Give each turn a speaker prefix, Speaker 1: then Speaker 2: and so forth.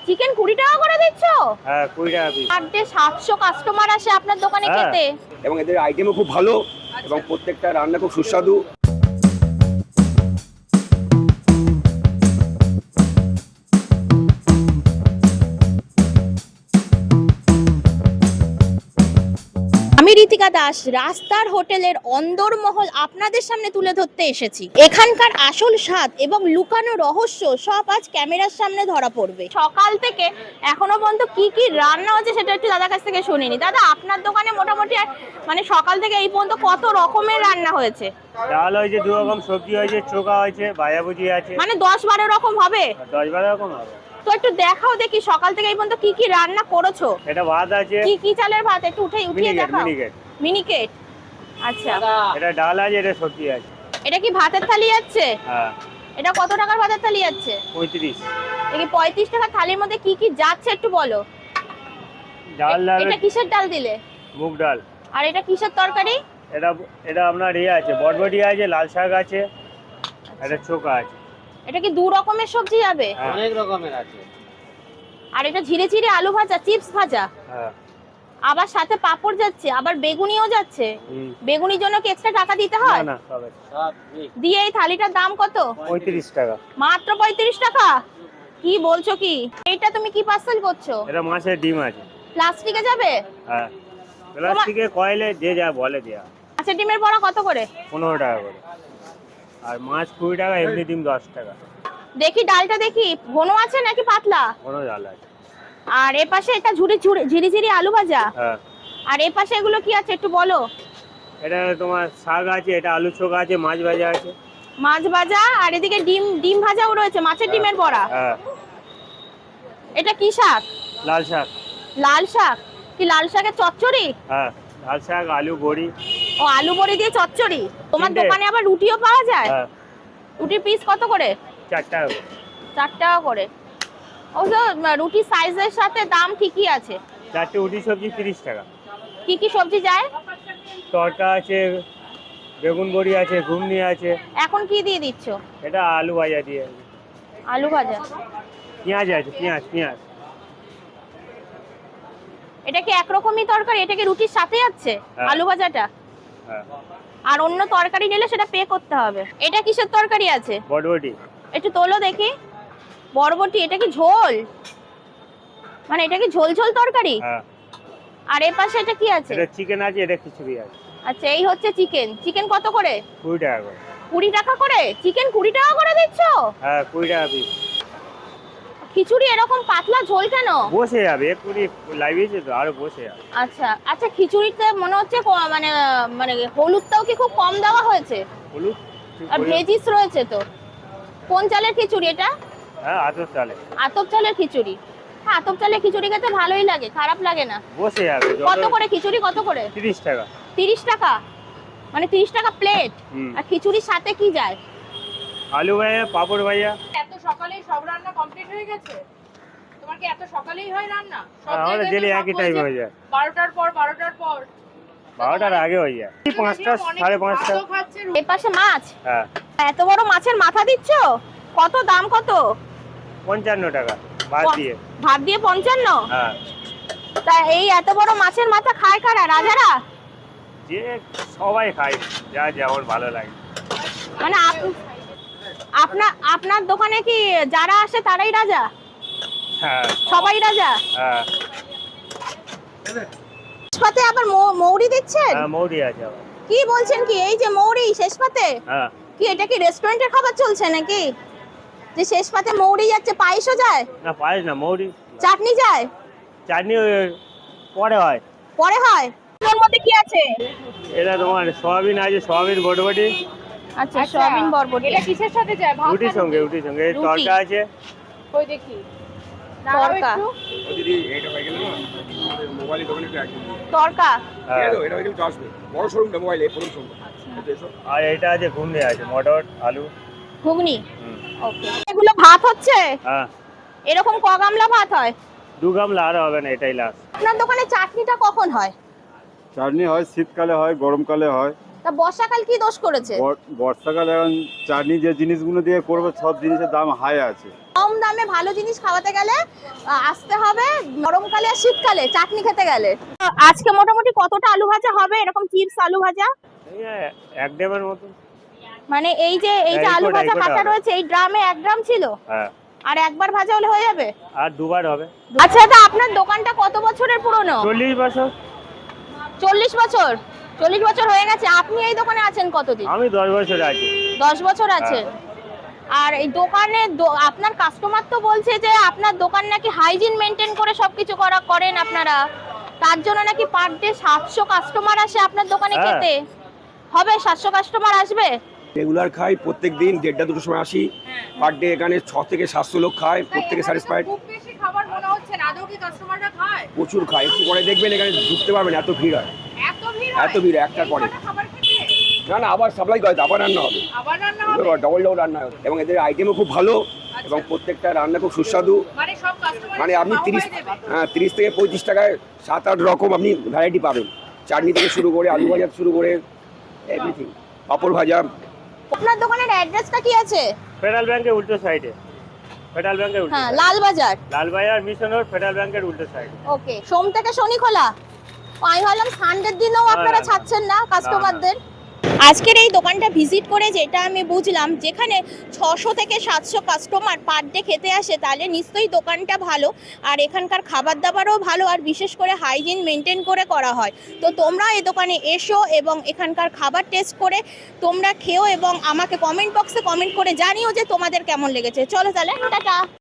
Speaker 1: Chicken 20 টাকা করে দিচ্ছ?
Speaker 2: হ্যাঁ 20 টাকা পিস।
Speaker 1: আর যে 700 কাস্টমার আসে আপনার দোকানে খেতে।
Speaker 3: এবং এদের আইটেমও খুব ভালো এবং প্রত্যেকটা রান্না খুব সুস্বাদু।
Speaker 1: আমি ঋতিকা দাস রাস্তার হোটেলের অন্দরমহল আপনাদের সামনে তুলে ধরতে এসেছি। এখানকার আসল স্বাদ এবং লুকানো রহস্য সব আজ ক্যামেরার সামনে ধরা পড়বে। সকাল থেকে এখনো পর্যন্ত কি কি রান্না হচ্ছে সেটা একটু দাদার কাছ থেকে শুনিনি। দাদা, আপনার দোকানে মোটামুটি মানে সকাল থেকে এই পর্যন্ত কত রকমের রান্না হয়েছে?
Speaker 2: ডাল হয়েছে, 2 রকম সবজি হয়েছে, চোখা হয়েছে, ভাজাভুজি আছে।
Speaker 1: মানে 10-12 রকম হবে?
Speaker 2: 10-12 রকম হবে।
Speaker 1: তো একটু দেখাও দেখি সকাল থেকে এই পর্যন্ত কি কি রান্না করেছো।
Speaker 2: এটা ভাত আছে।
Speaker 1: কি কি চালের ভাত একটু উঠিয়ে দেখাও।
Speaker 2: মিনিকেট।
Speaker 1: মিনিকেট, আচ্ছা।
Speaker 2: এটা ডাল আছে, এটা সবজি আছে।
Speaker 1: এটা কি ভাতের থালি যাচ্ছে?
Speaker 2: হ্যাঁ।
Speaker 1: এটা কত টাকার ভাতের থালি যাচ্ছে?
Speaker 2: 35।
Speaker 1: এই 35 টাকা থালির মধ্যে কি কি যাচ্ছে একটু বলো।
Speaker 2: ডাল
Speaker 1: এটা কিসের ডাল দিলে?
Speaker 2: মুগ ডাল।
Speaker 1: আর এটা কিসের তরকারি?
Speaker 2: এটা আপনার আছে, বটবটি আছে, লাল শাক আছে, এটা চোখা আছে।
Speaker 1: এটা কি 2 রকমের সবজি যাবে?
Speaker 2: অনেক রকমের আছে।
Speaker 1: আর এটা ঝিরে ঝিরে আলু ভাজা, চিপস ভাজা,
Speaker 2: হ্যাঁ।
Speaker 1: আবার সাথে পাপড় যাচ্ছে, আবার বেগুনিও যাচ্ছে। বেগুনির জন্য কি এক্সট্রা টাকা দিতে হয়?
Speaker 2: না, সব
Speaker 1: দিয়ে এই থালিটার দাম কত?
Speaker 2: 35 টাকা।
Speaker 1: মাত্র 35 টাকা? কি বলছো কি? এইটা তুমি কি পার্সেল করছো?
Speaker 2: এটা মাছের ডিম আছে।
Speaker 1: প্লাস্টিকে যাবে?
Speaker 2: হ্যাঁ, প্লাস্টিকে কয়েলে যে যা বলে দেয়া।
Speaker 1: আচ্ছা, ডিমের বড়া কত করে?
Speaker 2: 15 টাকা করে। আর মাছ 20 টাকা, এমনি ডিম 10 টাকা।
Speaker 1: দেখি ডালটা দেখি ঘন আছে নাকি পাতলা?
Speaker 2: ঘন ডাল আছে।
Speaker 1: আর এ পাশে এটা ঝিরি ঝিরি আলু ভাজা।
Speaker 2: হ্যাঁ।
Speaker 1: আর এ পাশে এগুলো কি আছে একটু বলো।
Speaker 2: এটা তোমার শাক আছে, এটা আলু চোখা আছে, মাছ ভাজা আছে।
Speaker 1: মাছ ভাজা, আর এদিকে ডিম ভাজাও রয়েছে, মাছের ডিমের বড়া।
Speaker 2: হ্যাঁ।
Speaker 1: এটা কি শাক?
Speaker 2: লাল শাক।
Speaker 1: লাল শাক? কি লাল শাকের চচ্চড়ি?
Speaker 2: হ্যাঁ, লাল শাক, আলু বড়ি।
Speaker 1: ও, আলু বড়ি দিয়ে চচ্চড়ি। তোমার
Speaker 2: 3টে।
Speaker 1: দোকানে আবার রুটিও পাওয়া যায়?
Speaker 2: হ্যাঁ।
Speaker 1: রুটির পিস কত করে?
Speaker 2: 4 টাকা করে।
Speaker 1: 4 টাকা করে। অবশ্য রুটি সাইজের সাথে দাম ঠিকই আছে।
Speaker 2: 4টে উটি সবজি 30 টাকা।
Speaker 1: কি কি সবজি যায়?
Speaker 2: তরকা আছে, বেগুন বড়ি আছে, ঘুগনি আছে।
Speaker 1: এখন কি দিয়ে দিচ্ছ?
Speaker 2: এটা আলু ভাজা দিয়ে।
Speaker 1: আলু ভাজা।
Speaker 2: পেঁয়াজ আছে, পেঁয়াজ।
Speaker 1: এটা কি একরকমই তরকারি? এটা কি রুটির সাথে যাচ্ছে?
Speaker 2: হ্যাঁ।
Speaker 1: আলু ভাজাটা?
Speaker 2: হ্যাঁ।
Speaker 1: আর অন্য তরকারি নিলে সেটা পে করতে হবে। এটা কিসের তরকারি আছে?
Speaker 2: বটবটি।
Speaker 1: একটু তোলো দেখি। বরবটি, এটা কি ঝোল? মানে এটা কি ঝোল ঝোল তরকারি?
Speaker 2: হ্যাঁ।
Speaker 1: আর এর পাশে এটা কি আছে?
Speaker 2: এটা চিকেন আছে, এটা খিচুড়ি আছে।
Speaker 1: আচ্ছা, এই হচ্ছে চিকেন। চিকেন কত করে?
Speaker 2: 20 টাকা করে।
Speaker 1: 20 টাকা করে? চিকেন 20 টাকা করে দিচ্ছ?
Speaker 2: হ্যাঁ, 20 টাকা পিস।
Speaker 1: খিচুড়ি এরকম পাতলা ঝোল কেন?
Speaker 2: বসে যাবে, এক্ষুনি লাইভেছে তো, আরো বসে যাবে।
Speaker 1: আচ্ছা আচ্ছা, খিচুড়িতে মনে হচ্ছে মানে মানে হলুদটাও কি খুব কম দেওয়া হয়েছে?
Speaker 2: হলুদ
Speaker 1: আর ভেজিস রয়েছে তো। কোন চালের খিচুড়ি এটা?
Speaker 2: হ্যাঁ, আতপ চালে।
Speaker 1: আতপ চালের খিচুড়ি। হ্যাঁ, আতপ চালের খিচুড়ি খেতে ভালোই লাগে, খারাপ লাগে না।
Speaker 2: বসে যাবে।
Speaker 1: কত করে খিচুড়ি, কত করে?
Speaker 2: 30 টাকা।
Speaker 1: 30 টাকা? মানে 30 টাকা প্লেট?
Speaker 2: হুম।
Speaker 1: আর খিচুড়ির সাথে কি যায়?
Speaker 2: আলু ভাজা, পাপড় ভাজা।
Speaker 4: এত সকালেই সব রান্না কমপ্লিট হয়ে গেছে? তোমার কি এত সকালেই হয় রান্না? সব
Speaker 2: আমাদের
Speaker 4: জায়গায়
Speaker 2: ডেলি
Speaker 4: তো সব
Speaker 2: একই
Speaker 4: বলছে
Speaker 2: টাইমে হয়ে যায়।
Speaker 4: 12টার পর 12টার পর।
Speaker 2: 12টার আগে হয়ে যায়। 5টা,
Speaker 4: অনেকে
Speaker 2: 5:30টা।
Speaker 4: ভাতও খাচ্ছে।
Speaker 1: এই পাশে মাছ।
Speaker 2: হ্যাঁ।
Speaker 1: এত বড় মাছের মাথা দিচ্ছ? কত দাম কত?
Speaker 2: 55 টাকা ভাত দিয়ে।
Speaker 1: ভাত দিয়ে 55?
Speaker 2: হ্যাঁ।
Speaker 1: তা এই এত বড় মাছের মাথা খায় কারা? রাজারা?
Speaker 2: যে সবাই খায়, যা যেমন ভালো লাগে।
Speaker 1: মানে আপনার দোকানে কি যারা আসে তারাই রাজা?
Speaker 2: হ্যাঁ।
Speaker 1: সবাই রাজা?
Speaker 2: হ্যাঁ।
Speaker 1: শেষপাতে আবার মৌরি দিচ্ছেন?
Speaker 2: হ্যাঁ, মৌরি আছে আবার।
Speaker 1: কি বলছেন কি? এই যে মৌরি শেষপাতে?
Speaker 2: হ্যাঁ।
Speaker 1: কি এটা কি রেস্টুরেন্টের খাবার চলছে নাকি? যে শেষপাতে মৌরি যাচ্ছে, পায়েসও যায়?
Speaker 2: না, পায়েস না, মৌরি।
Speaker 1: চাটনি যায়?
Speaker 2: চাটনি পরে হয়।
Speaker 1: পরে হয়? এর মধ্যে কি আছে?
Speaker 2: এটা তোমার সয়াবিন আছে, সয়াবিন বটবটি।
Speaker 1: আচ্ছা, সয়াবিন বরবটি।
Speaker 4: এটা কিসের সাথে যায়? ভাত
Speaker 2: রুটির
Speaker 4: না
Speaker 2: সঙ্গে,
Speaker 4: রুটি?
Speaker 2: রুটির সঙ্গে।
Speaker 1: রুটি।
Speaker 2: তরকা আছে।
Speaker 4: কই দেখি। দাঁড়াও
Speaker 1: তরকা।
Speaker 4: একটু।
Speaker 3: ও দিদি এটা হয়ে গেল না মোবাইল দোকানে একটু একদম
Speaker 1: তরকা।
Speaker 3: ঠিক আছে, এটা হয়ে গেল আসবে বড় শোরুমটা মোবাইলে প্রথম শোরুম।
Speaker 2: আর এটা আছে ঘুগনি আছে, মটর আলু।
Speaker 1: ঘুগনি।
Speaker 2: হুম।
Speaker 1: ওকে। এগুলো ভাত হচ্ছে?
Speaker 2: হ্যাঁ।
Speaker 1: এরকম ক গামলা ভাত হয়?
Speaker 2: 2 গামলা, আর হবে না, এটাই লাস্ট।
Speaker 1: আপনার দোকানে চাটনিটা কখন হয়?
Speaker 5: চাটনি হয় শীতকালে হয়, গরমকালে হয়।
Speaker 1: তা বর্ষাকাল কি দোষ করেছে?
Speaker 5: বর্ষাকালে এখন চাটনি যে জিনিসগুলো দিয়ে করবো সব জিনিসের দাম হাই আছে।
Speaker 1: কম দামে ভালো জিনিস খাওয়াতে গেলে আসতে হবে গরমকালে আর শীতকালে চাটনি খেতে গেলে। আজকে মোটামুটি কতটা আলু ভাজা হবে, এরকম চিপস আলু ভাজা?
Speaker 2: এই এক ডেমের মতো।
Speaker 1: মানে এই যে আলু ভাজা কাটা রয়েছে এই ড্রামে 1 গ্রাম ছিল,
Speaker 2: হ্যাঁ,
Speaker 1: আর একবার ভাজা হলে হয়ে যাবে?
Speaker 2: আর দুবার হবে।
Speaker 1: আচ্ছা দাদা, আপনার দোকানটা কত বছরের পুরনো?
Speaker 2: 40 বছর।
Speaker 1: 40 বছর? 40 বছর হয়ে গেছে। আপনি এই দোকানে আছেন কতদিন?
Speaker 2: আমি 10 বছর আছি।
Speaker 1: 10 বছর আছে। আর এই দোকানে আপনার কাস্টমার তো বলছে যে আপনার দোকান নাকি হাইজিন মেনটেন করে সবকিছু করেন আপনারা, তার জন্য নাকি পার ডে 700 কাস্টমার আসে আপনার দোকানে খেতে। হবে 700 কাস্টমার আসবে?
Speaker 3: রেগুলার খাই, প্রত্যেক দিন 1:30-2টোর সময় আসি। পার ডে এখানে 6 থেকে 700 লোক খায়, প্রত্যেকে স্যাটিসফাইড।
Speaker 4: খুব বেশি খাবার মনে হচ্ছে না, আদৌ কি কাস্টমাররা খায়?
Speaker 3: প্রচুর খায়, একটু পরে দেখবেন এখানে ঢুকতে পারবেন, এত ভিড় হয়।
Speaker 4: এত ভিড় হয়?
Speaker 3: এত ভিড় একটার পরে।
Speaker 4: এই কটা খাবার খেতে?
Speaker 3: না না, আবার সাপ্লাই করে, আবার রান্না হবে,
Speaker 4: আবার রান্না হবে?
Speaker 3: ডবল রান্না হবে। এবং এদের আইটেমও খুব ভালো এবং প্রত্যেকটা রান্না খুব সুস্বাদু।
Speaker 4: মানে সব কাস্টমার
Speaker 3: মানে আপনি 30 থেকে 35 টাকায় 7-8 রকম আপনি ভ্যারাইটি পাবেন। চাটনি থেকে শুরু করে আলু ভাজা শুরু করে এভরিথিং, পাপড় ভাজা।
Speaker 1: আপনার দোকানের অ্যাড্রেসটা কি আছে?
Speaker 2: ফেডারেল ব্যাংকের উল্টো সাইডে। ফেডারেল ব্যাংকের উল্টো।
Speaker 1: হ্যাঁ, Lalbazar.
Speaker 2: Lalbazar mission road, Federal ব্যাংকের উল্টো সাইডে।
Speaker 1: ওকে। সোম থেকে শনি খোলা? আমি ভাবলাম সানডের দিনেও আপনারা ছাড়ছেন না কাস্টমারদের। আজকের এই দোকানটা ভিজিট করে যেটা আমি বুঝলাম, যেখানে 600 থেকে 700 কাস্টমার পার ডে খেতে আসে, তাহলে নিশ্চয়ই দোকানটা ভালো, আর এখানকার খাবার দাবারও ভালো, আর বিশেষ করে হাইজিন মেনটেন করে করা হয়। তো তোমরা এই দোকানে এসো এবং এখানকার খাবার টেস্ট করে তোমরা খেও এবং আমাকে কমেন্ট বক্সে কমেন্ট করে জানিও যে তোমাদের কেমন লেগেছে। চলো তাহলে টাটা।